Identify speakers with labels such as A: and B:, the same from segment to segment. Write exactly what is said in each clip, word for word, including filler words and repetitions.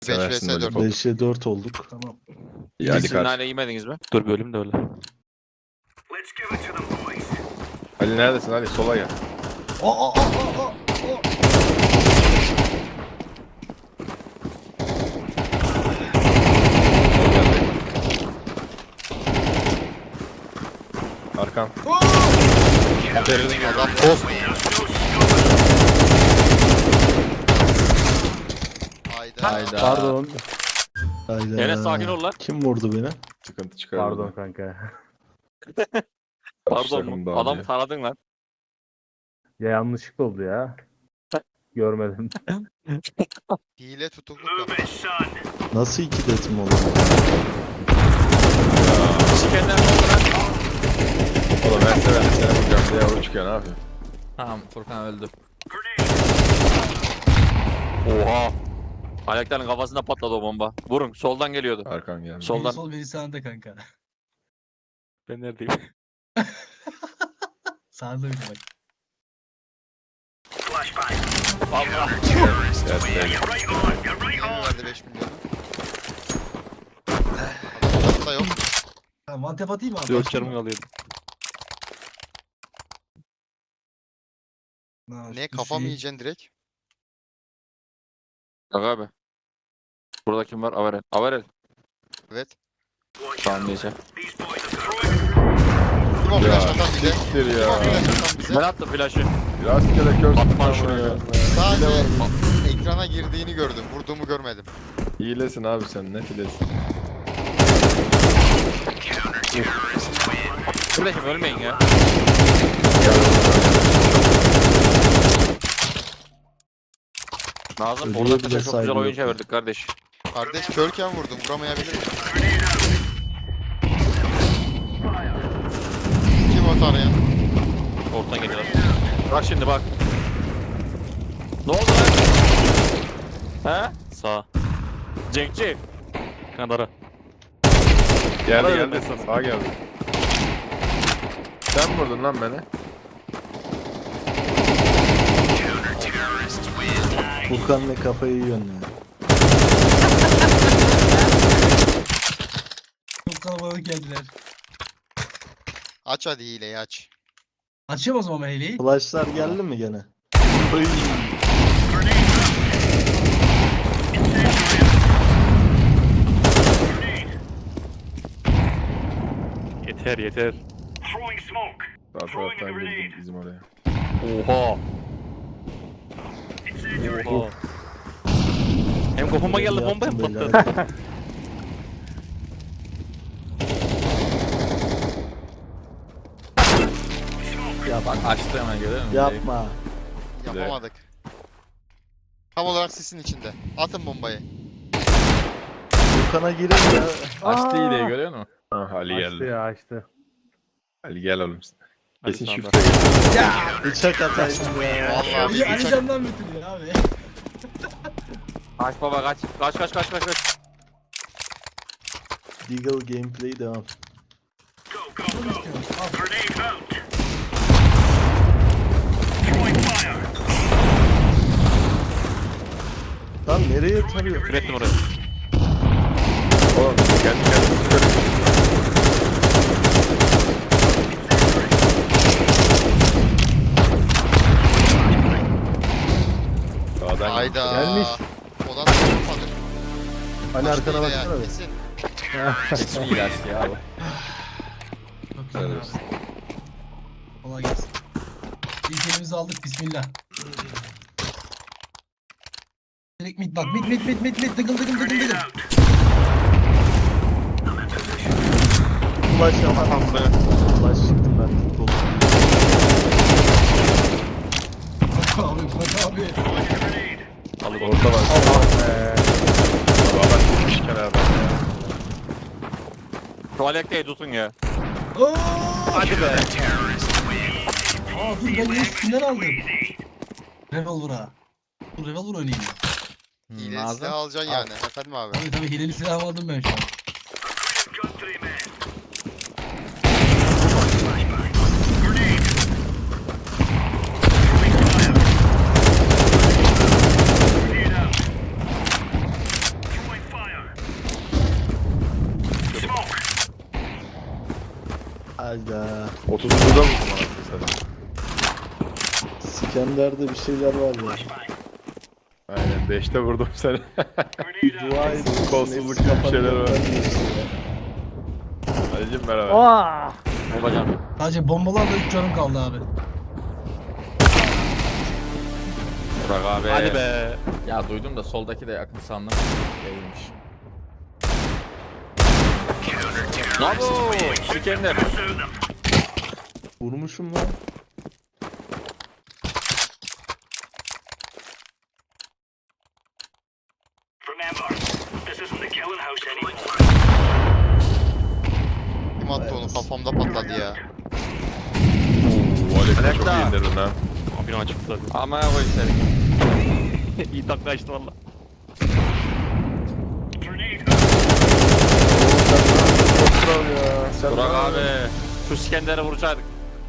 A: beş
B: Seversin
A: vs
B: böyle
A: dört.
B: bol.
C: beşe dört olduk.
D: Tamam.
B: İyi, hadi
E: Siz
B: karşı.
E: nane yemediniz mi? Dur bölüm de öyle.
B: Ali neredesin Ali? Sola gel.
D: Aa aa aa aa aa.
B: Arkan.
A: Adam post. Hayda.
E: Hayda.
F: Pardon.
C: Hayda.
E: Enes sakin ol lan.
C: Kim vurdu beni?
B: Sıkıntı çıkar.
F: Pardon
B: burada.
F: kanka.
E: Pardon
B: Başlarım
E: mu?
B: daha
E: Adam
B: diye.
E: taradın lan.
F: Ya yanlışlıkla oldu ya. Görmedim.
A: Hile tutukluk yap.
C: Nasıl iki detim oldu?
E: Şikenden oldu lan.
B: Oğlum ben severim seni vuracağım diye yavru çıkıyor, ne yapayım?
E: Tamam Furkan öldü. Oha. Ayakların kafasında patladı o bomba. Vurun soldan geliyordu.
B: Arkan geldi.
E: Sol-
D: Biri
E: Soldan.
D: sol biri sağında kanka.
E: Ben neredeyim?
D: Sağında bir de bak.
E: Allah.
B: Evet, evet.
A: Yeni verdi beş milyonu. Adam da yok.
D: Ha, mantep atayım mı abi?
E: Dört canım kalıyordu.
D: Ha,
A: Ne
D: şu
A: kafa mı
D: şey-
A: yiyeceksin direkt?
E: Bak abi. Burada kim var? Averel. Averel.
A: Evet.
E: Tamam neyse.
A: Kim o
B: Ya,
A: flash atan bize?
B: siktir
A: Kim o
B: ya.
A: flash atan bize?
E: Ben attım flash'ı.
B: Rastgele kör
E: Atma
B: sıkma
E: şunu ya.
B: ya.
A: Sadece ekrana girdiğini gördüm. Vurduğumu görmedim.
B: Hilesin abi sen, net hilesin.
E: Flash'ım ölmeyin ya. Nazım
C: Ölüyor
E: burada
C: bile
E: çok güzel
C: saygı
E: oyun
C: yok ya.
E: çevirdik kardeş.
A: Kardeş körken vurdum. Vuramayabilir miyim? Kim o tarayan?
E: Ortadan geliyorlar. Bak şimdi bak. Ne oldu lan? He? Sağ. Cenkçi. Kanara.
B: Geldi
E: Bana
B: geldi.
E: dönme sana.
B: Sağa geldi. Sen mi vurdun lan beni?
C: Furkan ne kafayı yiyorsun ya.
D: Çok kalabalık geldiler.
A: Aç hadi hileyi aç.
D: Açayım o zaman ben hileyi.
C: Flashlar geldi mi gene? Oy.
E: Yeter yeter.
B: Sağ taraftan girdim bizim oraya.
E: Oha. Oha. Hem kafama geldi bomba hem
C: Yaptım beyler.
E: patladı. Bak açtı hemen görüyor musun?
C: Yapma.
A: Yapamadık. Tam olarak sisin içinde. Atın bombayı.
C: Furkan'a girin ya.
E: Açtı iyi görüyor musun?
B: Ah Ali
F: Açtı
B: geldi.
F: ya açtı.
B: Ali gel oğlum.
E: Hadi
B: Kesin
E: sağ ol.
B: şifre gel.
C: Bıçak ataydın ya.
A: Vallahi
D: Ali,
A: bir
D: Ali
A: bıçak.
D: Can'dan götürüyor abi.
E: Kaç baba kaç. Kaç kaç kaç kaç kaç.
C: Deagle gameplay devam.
D: Bunu istiyorum. Al.
C: Lan nereye tarıyor?
E: Kürettim oraya.
B: Oğlum kendi kendimizi Sağdan
A: Hayda.
F: Gelmiş.
A: Odan da yapmadık.
F: Hani
A: Açtı
F: arkana
A: hile ya,
F: baksana. bir.
A: Kesin.
E: Kesin iyi ders ya abi.
D: Çok güzel
B: Helal
D: abi.
B: olsun.
D: Kolay gelsin. İlk elimizi aldık. Bismillah. Direkt mid bak. Mid mid mid mid mid. Dıgıl dıgıl dıgıl dıgıl.
C: Flash ama. Flash çıktım ben. Tut oldum.
D: Bak abi bak abi.
E: Alıp
B: Orta var.
F: Allah be.
B: Valla gitmiş kenardan ya.
E: Tuvalette tutun ya.
D: Oo!
E: Hadi be.
D: Aa dur ben niye üstünden aldım? Revolver'a. Dur Revolver oynayayım ben.
A: Hile silah alacaksın yani. Efendim abi.
D: Tabii tabii hileli silah aldım ben şu an.
C: Hayda.
B: otuzuncuda mısın anasını satayım?
C: Skender'de bir şeyler var ya.
B: Aynen beşte vurdum seni.
C: Dua edin.
B: Kolsuzluk
C: hepsi
B: gibi bir şeyler var.
C: kapanıyor, diyorsun ya.
B: Ali'cim merhaba.
F: Aa!
E: Babacan.
D: Sadece bombalarla üç canım kaldı abi.
E: Burak abi.
G: Hadi be.
H: Ya duydum da soldaki de yakın sandım. Değilmiş.
E: Ne yapıyor? Sikender.
C: Vurmuşum lan.
A: Kim attı onu kafamda patladı ya.
B: Oo, Alek'te çok
E: Alek'te.
B: iyi indirdin ha.
G: Abine açıktı tabii.
E: Ama koy seni.
G: İyi takla açtı valla.
B: Çok kral ya. Sen
E: Burak
B: ne
E: abi.
B: yapıyorsun?
E: Şu Skender'i vuracaktık.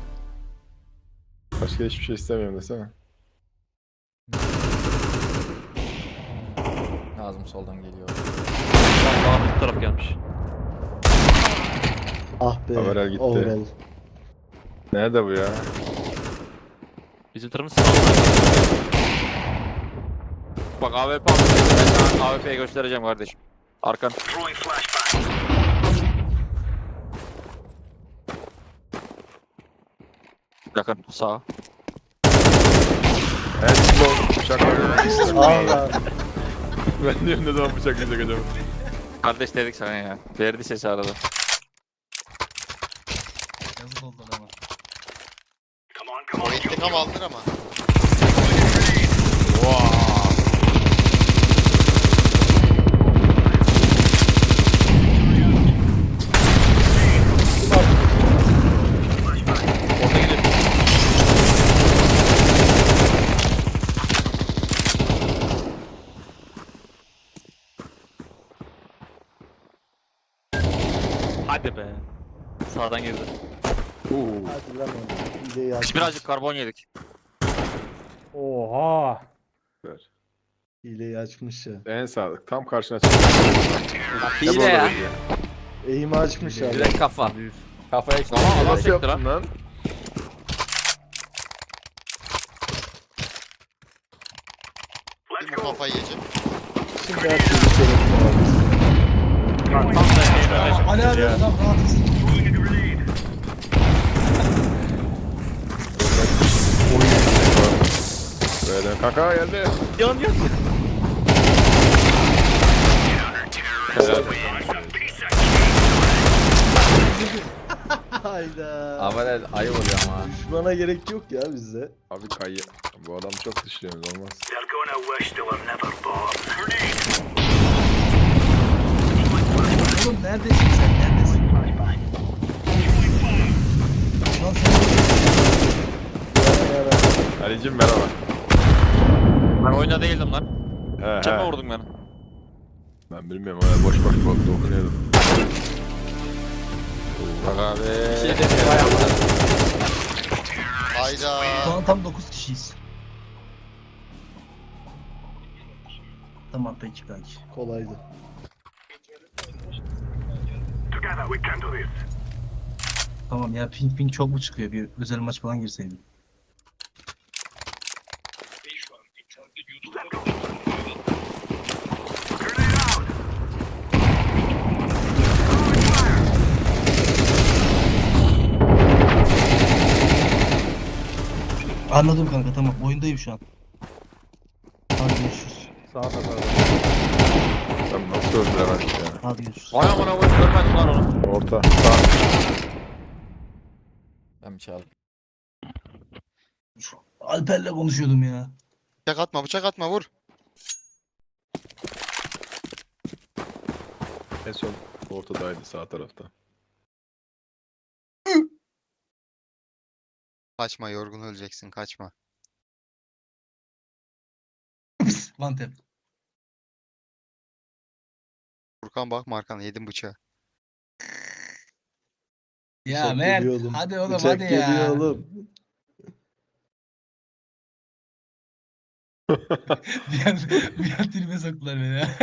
B: Başka hiçbir şey istemiyorum desene.
H: Nazım soldan geliyor.
G: Valla bu taraf gelmiş.
C: Ah be.
B: Overall gitti.
C: Overall.
B: Nerede bu ya?
G: Bizim tarafımız sağ.
E: Bak A W P aldım. Ben sana A W P'yi göstereceğim kardeşim. Arkan. Yakın. Sağ.
B: Evet şimdi oldu. Bıçakları.
C: Allah.
B: Ben diyorum ne zaman bıçaklayacak acaba?
E: Kardeş dedik sana ya. Verdi sesi arada.
D: Yazık oldu ama.
A: O intikam aldır ama.
G: Hadi be. Sağdan girdi.
B: Uuu.
C: Hadi lan oğlum. Hileyi
E: Biz
C: aç.
E: birazcık karbon yedik.
F: Oha!
C: Hileyi açmış ya.
B: En sağlık. Tam karşına çıktı.
H: Hile ya.
C: Eğimi açmış abi.
H: Direkt kafa. Kafaya işte.
E: Ama adam
B: Nasıl
E: sekti
B: yaptın
E: lan.
B: lan?
A: Bir bu kafayı yiyeceğim.
C: Şimdi her türlü sorun var.
G: Tam da şey
D: Aa, Ali abi adam rahatsız.
B: Böyle kanka geldi.
G: yan yan.
C: Hayda.
H: Avarel ayı oluyor ama.
C: Düşmana gerek yok ya bizde.
B: Abi kayı. Bu adam çok dışlıyoruz olmaz.
D: Oğlum neredesin sen? Neredesin? Lan sen
C: Yani yani.
B: Ali'cim merhaba.
E: Ben oyunda değildim lan.
B: He
E: Sen mi
B: he.
E: vurdun beni?
B: Ben bilmiyorum öyle boş boş bak dokunuyordum.
E: Bak abi.
H: Bir şey demiyor ayağımda.
A: Hayda.
D: Şu an tam dokuz kişiyiz. Tamam peki kanki.
C: Kolaydı.
D: Tamam ya ping ping çok mu çıkıyor? Bir özel maç falan girseydim. Anladım kanka tamam oyundayım şu an. Hadi görüşürüz.
F: Sağda sağda.
B: Sen nasıl öldüler artık ya?
D: Hadi görüşürüz.
E: Vay amına koyayım görmedim lan onu.
B: Orta. Sağ.
H: Ben bir çaldım.
D: Alper'le konuşuyordum ya.
A: Bıçak atma bıçak atma vur.
B: En son ortadaydı sağ tarafta.
A: Kaçma yorgun öleceksin kaçma.
D: One tap.
A: Furkan bakma arkana yedim bıçağı.
D: Ya
C: Bıçak
D: Mert
C: geliyor oğlum.
D: hadi oğlum
C: Bıçak
D: hadi
C: geliyor
D: ya.
C: oğlum.
D: bir an, bir an tribe soktular beni ya.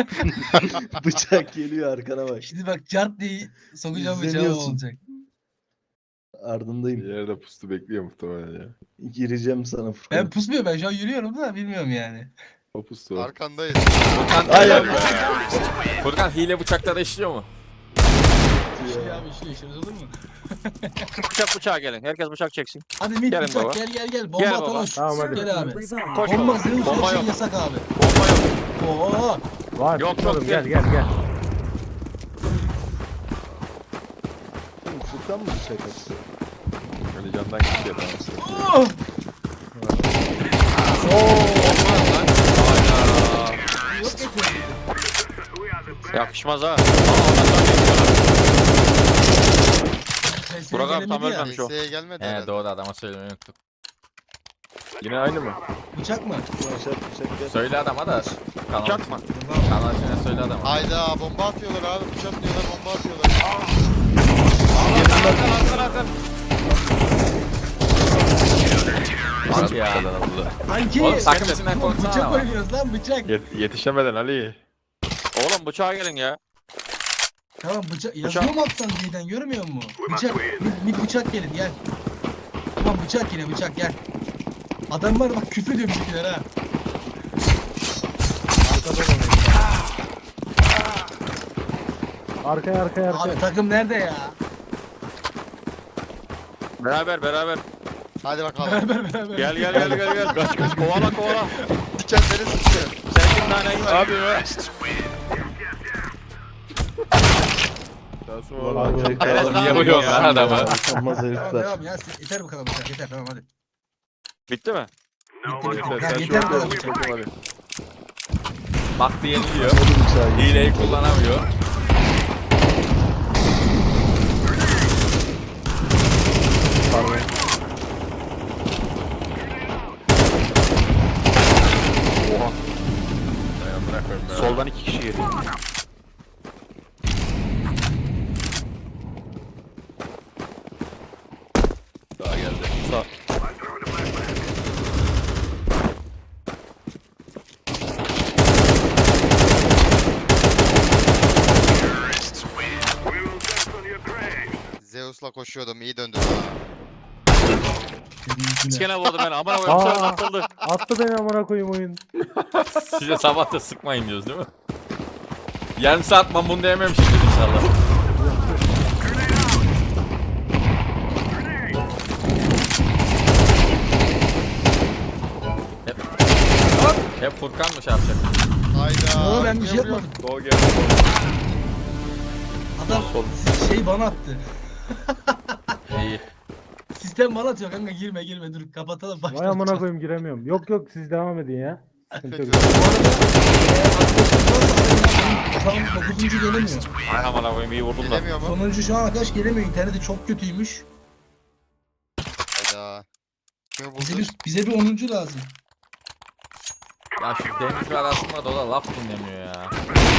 C: Bıçak geliyor arkana bak.
D: Şimdi bak cart diye sokacağım bıçağı
C: İzleniyorsun.
D: olacak.
C: Ardındayım.
B: Bir yerde pustu bekliyor muhtemelen ya.
C: Gireceğim sana Furkan.
D: Ben pusmuyor, ben şu an yürüyorum da bilmiyorum yani.
B: O pustu o.
A: Arkandayız.
H: Furkan,
C: Ay, ay.
H: Furkan hile bıçakları işliyor mu?
D: İşliyor abi, işliyor, işliyor, olur mu?
E: Bıçak bıçağa gelin. Herkes bıçak çeksin.
D: Hadi mid
E: Gelin
D: bıçak,
E: baba.
D: gel gel gel. Bomba
E: Gel
D: atalım.
E: baba.
F: Tamam, hadi.
D: Gel abi.
E: Koş
D: Bomba
E: baba.
D: zırh
E: Bomba
D: şey
E: yok.
D: yasak abi.
E: Bomba yok.
D: Oo.
F: Var
E: Yok,
F: çıkmadım,
E: yok,
F: gel
E: gel.
F: gel gel.
C: Furkan mı bıçak attı?
B: Hani candan kişiye tamam.
D: Oh. Yok getirdim.
E: Yakışmaz ha.
D: Sesleri
E: Burak abi tam
D: gelemedi ya.
E: ölmemiş o.
A: P S'ye gelmedi
H: He
A: herhalde.
H: doğru adama söylemeyi unuttuk.
B: Yine aynı mı?
D: Bıçak mı?
C: Bıçak bıçak gel.
H: Söyle adama da. Kanal,
E: Bıçak mı?
H: kanal içine söyle adama.
A: Hayda bomba atıyorlar abi. Bıçak diyorlar bomba atıyorlar.
E: Arkan arkan arkan.
H: Bak ya.
D: Kanki.
H: Oğlum takım içinden konuşsana
D: Bıçak
H: ama.
D: oynuyoruz lan, bıçak.
B: Yet- yetişemeden Ali.
E: Oğlum bıçağa gelin ya.
D: Tamam bıçak. Yazıyor mu alttan D'den, görmüyor musun? Bıçak. Mid, mid bıçak gelin gel. Tamam bıçak yine, bıçak gel. Adamlar bak küfür ediyor bizimkiler ha.
F: Arkaya arkaya arkaya.
D: Abi takım nerede ya?
E: Beraber beraber.
A: Hadi bakalım.
D: Beraber beraber.
E: Gel gel gel gel gel. Kaç kaç kovala kovala.
A: Diken beni sıçıyor.
E: Sen kim naneyi ver.
B: Hadi be. Nasıl
C: Ulan
B: oğlum?
C: burayı
E: Evet,
C: kaldırdım.
E: niye vuruyorsun lan
H: adamı?
C: Utanmaz
D: Tamam
C: herifler.
D: devam ya. Yeter bu kadar bıçak, yeter tamam hadi.
E: Bitti mi?
D: Bitti bitti.
B: Yeter,
D: Ya,
B: sen
D: yeter
B: şu
D: bu kadar
B: an
D: bıçak.
B: bakayım hadi.
H: Baktı yeniliyor.
C: Hadi bıçağı geç.
H: Hileyi kullanamıyor.
B: Dayan bırakıyorum ya.
E: Soldan iki kişi geliyor.
B: Daha geldi.
E: Sağ.
A: Zeus'la koşuyordum iyi döndüm ha.
E: İskene vurdu beni. Aman koyayım.
F: Aa.
E: Sen atıldı.
F: Attı beni amına koyayım oyun.
H: Size sabah da sıkmayın diyoruz değil mi? Yarım saat mamunu yememişimdir inşallah. Hep, hep Furkan mı şey yapacak?
A: Hayda.
D: Yo, ben bir şey
A: Ne vuruyor?
D: yapmadım.
B: Gol geldi.
D: Adam şey bana attı.
H: İyi.
D: Sistem bana atıyor kanka, girme girme dur kapatalım
F: Vay
D: başlayalım.
F: amına koyayım giremiyorum. Yok yok siz devam edin ya. Sıkıntı yok.
D: Bu arada eee, şu an dokuzuncu gelemiyor.
E: Ay aman koyayım iyi vurdun da.
A: Gelemiyor mu?
D: Sonuncu şu an arkadaş gelemiyor. İnterneti çok kötüymüş.
A: Hayda. Kimi
D: Bize
A: buldu?
D: bir, bize bir onuncu lazım.
H: Ya şu Deniz ve arasında da o da laf dinlemiyor ya.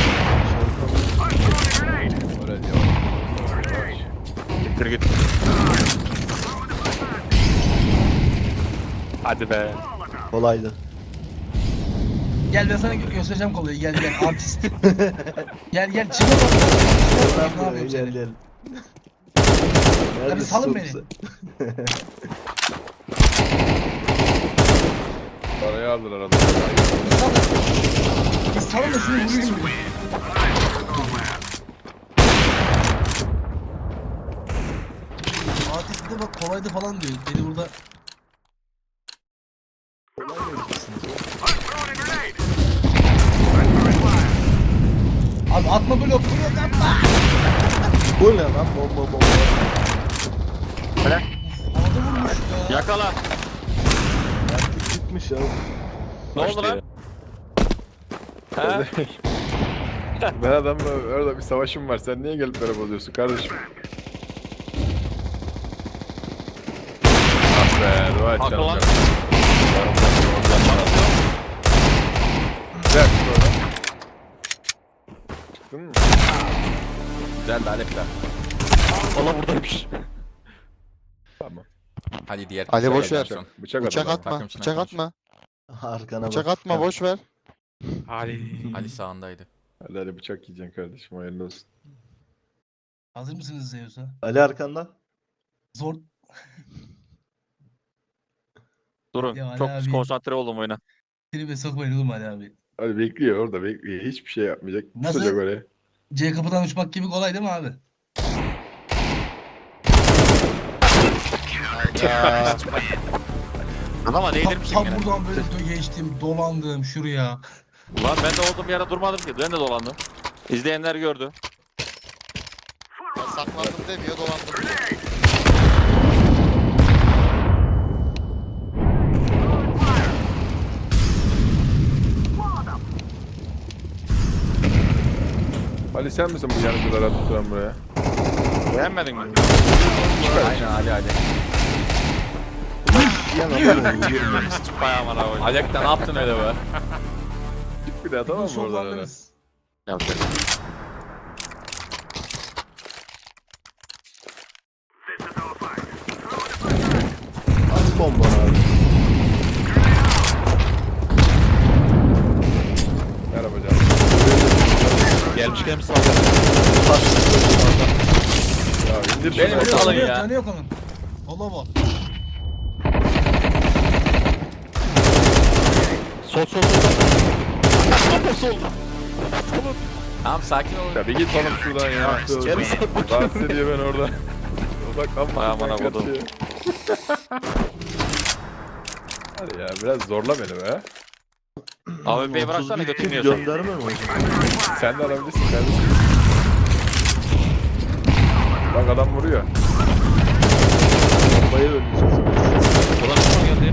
B: Öyle diyor.
E: Gittir git. Hadi be.
C: Kolaydı.
D: Gel ben sana gö- göstereceğim kolayı. Gel gel artist. gel gel çıkma bak. Ne
C: Gel
D: yapıyorum
C: gel
D: seni?
C: gel.
D: Hadi
C: Neredesin
D: salın
C: oğlum
D: beni.
C: sen?
B: Parayı aldılar adamı.
D: Biz salın. Biz salın da şunu vurayım. Artist de bak kolaydı falan diyor. Beni burada Abi atma blok, blok atma.
C: Bu ne lan bomba bomba.
D: Havada vurmuş ya.
E: Yakala.
C: Artık gitmiş ya.
E: Ne oldu lan? He?
B: Ben adamla orada bir savaşım var. Sen niye gelip beni bozuyorsun kardeşim? Ah be, dua et
E: Haklı
B: canım.
E: lan.
B: Güzel çıktı oradan. Çıktın mı?
H: Güzel de Alek'ler.
E: Valla buradaymış.
B: Tamam.
H: Hadi diğer
A: Ali
H: kişiye
A: boş ver.
H: gelsin.
B: Bıçak
A: Bıçak
B: adam.
A: atma.
H: Takım içinden
A: Bıçak
H: konuş.
A: atma.
C: Arkana bak.
A: Bıçak atma boş ver.
E: Ali.
H: Ali sağındaydı.
B: Hadi hadi bıçak yiyeceksin kardeşim hayırlı olsun.
D: Hazır mısınız Zeus'a?
C: Ali arkanda.
D: Zor.
E: Durun.
D: Ya Ali
E: Çok
D: abi.
E: konsantre oldum oyuna.
D: Tribe sokmayın oğlum Ali abi.
B: Hadi bekliyor orada bekliyor. Hiçbir şey yapmayacak.
D: Nasıl?
B: Tutacak oraya.
D: C kapıdan uçmak gibi kolay değil mi abi?
A: Hayda.
E: Adama
D: Tam,
E: değdirmişim
D: tam
E: yine.
D: buradan böyle dö- geçtim, dolandım şuraya.
E: Lan ben de olduğum yere durmadım ki. Ben de dolandım. İzleyenler gördü.
A: Ben saklandım demiyor dolandım diyor.
B: Ali sen misin bu yanıcılara tuturan buraya?
E: Beğenmedin mi?
G: Aynen Ali Ali.
C: Yan adam oldu.
E: Bayağı bana oyun.
H: Alek'te ne yaptın öyle be?
B: Çık bir daha tamam mı oradan öyle?
D: Şovlandınız.
E: Yapacak.
C: Az bomba abi.
B: Merhaba canım.
G: Gelmişken mi sağ
B: Ya indir
H: Benim
B: şunu.
H: bir alın
D: Canı yok,
H: ya.
D: canı yok onun. Allah bak.
G: Sol sol sol. Sol sol.
H: Tamam sakin olun.
B: Ya bir git oğlum şuradan ya.
G: Sikerim seni.
B: Rahatsız ediyor beni orada. Odaklanma.
E: Vay amına kodum.
B: Hadi ya biraz zorla beni be.
E: Abi bey bıraksana
C: otuz bir kill
E: götürmüyorsun.
C: Gönderme mi hocam?
B: Sen de alabilirsin kardeşim. Bak adam vuruyor.
C: Bombayı öleceğiz.
G: Ulan kim geldi?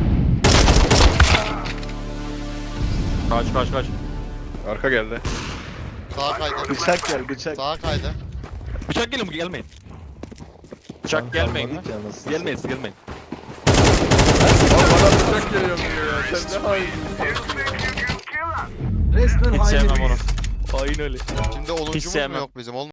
E: Kaç kaç kaç.
B: Arka geldi.
A: Sağa kaydı.
C: Bıçak gel bıçak.
A: Sağa kaydı.
G: Bıçak gelin gelmeyin.
E: Bıçak gelmeyin lan.
C: Kalmadık ya, nasıl?
G: Gelmeyin siz gelmeyin.
B: Oğlum bana bıçak geliyor diyor ya. Sen ne hain.
D: Resmen
E: Hiç
D: hain
E: sevmem
D: herif.
E: onu.
G: Aynen öyle.
A: Şimdi
E: Hiç
A: oluncumuz mu
E: sevmem.
A: yok bizim?